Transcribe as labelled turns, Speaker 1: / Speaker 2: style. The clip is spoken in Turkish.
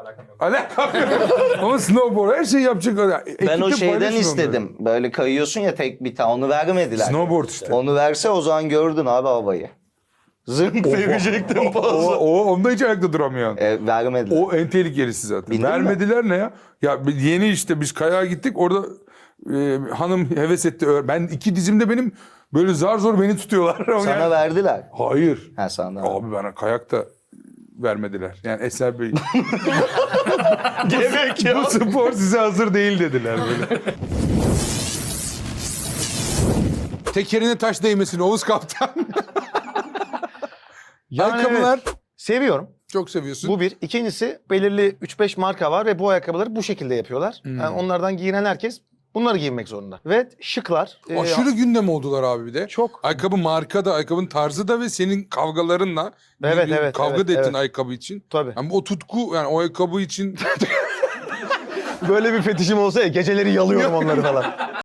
Speaker 1: Alakam yok. Ama snowboard her şeyi yapacak.
Speaker 2: Ben o
Speaker 1: Ekipte
Speaker 2: şeyden
Speaker 1: paylaşın
Speaker 2: istedim. Böyle kayıyorsun ya tek bir tane. Onu vermediler.
Speaker 1: Snowboard işte.
Speaker 2: Onu verse o zaman gördün abi havayı. Zınk verecektim fazla.
Speaker 1: Onda hiç ayakta duramıyorsun.
Speaker 2: Vermediler.
Speaker 1: O en tehlikelisi zaten.
Speaker 2: Bildin mi?
Speaker 1: Vermediler ne ya? Ya yeni işte biz kayağa gittik orada hanım heves etti. Ben iki dizimde benim böyle zar zor beni tutuyorlar.
Speaker 2: Sana verdiler.
Speaker 1: Hayır.
Speaker 2: Ha sana.
Speaker 1: Abi bana kayakta vermediler. Yani Eser Bey
Speaker 2: Gerek
Speaker 1: bu spor size hazır değil dediler böyle. Tekerine taş değmesin Oğuz Kaptan.
Speaker 3: Yani
Speaker 1: Ayakkabılar
Speaker 3: Seviyorum.
Speaker 1: çok seviyorsun.
Speaker 3: Bu bir. İkincisi belirli 3-5 marka var ve bu ayakkabıları bu şekilde yapıyorlar. Yani onlardan giyinen herkes bunları giymek zorunda. Ve şıklar.
Speaker 1: Aşırı gündem oldular abi bir de.
Speaker 3: Çok.
Speaker 1: Ayakkabı marka da, ayakkabının tarzı da ve senin kavgalarınla.
Speaker 3: Evet,
Speaker 1: bir
Speaker 3: evet,
Speaker 1: kavga
Speaker 3: evet,
Speaker 1: da ettin
Speaker 3: evet.
Speaker 1: ayakkabı için.
Speaker 3: Tabii.
Speaker 1: Yani o tutku yani o ayakkabı için
Speaker 3: Böyle bir fetişim olsa ya geceleri yalıyorum onları falan.